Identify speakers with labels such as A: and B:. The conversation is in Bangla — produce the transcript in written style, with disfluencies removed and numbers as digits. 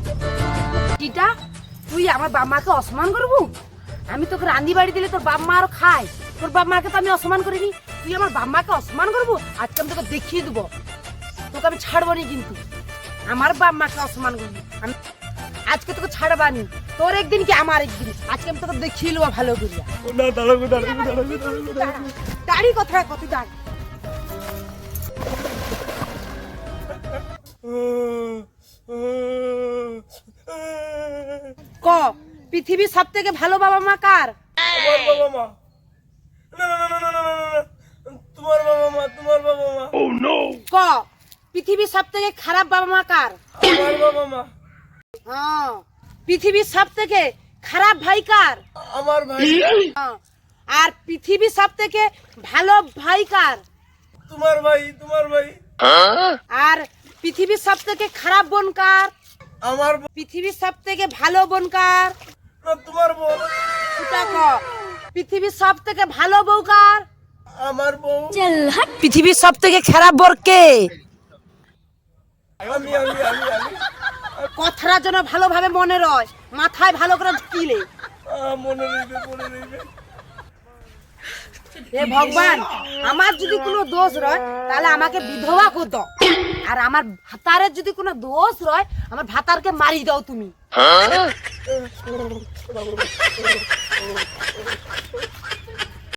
A: কিটা তুই আমার বাপ মাকে অসম্মান করবো? আমি তোকে রান্দি বাড়ি দিলে তোর বাপ মা আরো খায়, তোর বাপ মাকে তো আমি অসম্মান করিনি। তুই আমার বাপ মাকে অসম্মান করবো? আজকে আমি তোকে দেখিয়ে দেবো, তোকে আমি ছাড়বো নি। কিন্তু আমার বাপ মাকে অসম্মান করবি, আমি আজকে তোকে ছাড়বানি। তোর একদিন কি আমার একদিন, আজকে আমি তোকে দেখিয়ে নেবো ভালো করিয়া। দাঁড়ি কথা কত দাঁড়ি ক পৃথিবীর সব থেকে ভালো বাবা মা কার?
B: আমার বাবা মা। না না না না না না না না, তোমার বাবা মা, তোমার বাবা মা।
A: ক পৃথিবীর সব থেকে খারাপ বাবা মা কার?
B: আমার বাবা মা।
A: হ্যাঁ, পৃথিবীর সব থেকে খারাপ ভাই কার?
B: আমার ভাই।
A: হ্যাঁ, আর পৃথিবীর সব থেকে ভালো ভাই কার?
B: তোমার ভাই, তোমার ভাই।
A: আর পৃথিবীর সব থেকে খারাপ বোন কার?
B: আমার
A: পৃথিবীর সব থেকে ভালো বোন কার?
B: না, তোমার বোন।
A: ওটা ক পৃথিবীর সব থেকে ভালো বউ কার?
B: আমার বউ।
A: পৃথিবীর সব থেকে খারাপ বর কে?
B: আমি আমি আমি আমি
A: কথাটা যেন ভালোভাবে মনে রয়, মাথায় ভালো করে ঢুকিলে।
B: মনে রইবে, মনে রইবে।
A: হে ভগবান, আমার যদি কোনো দোষ রয় তাহলে আমাকে বিধবা করে দাও, আর আমার ভাতারের যদি কোনো দোষ রয় আমার ভাতারকে মারি দাও তুমি।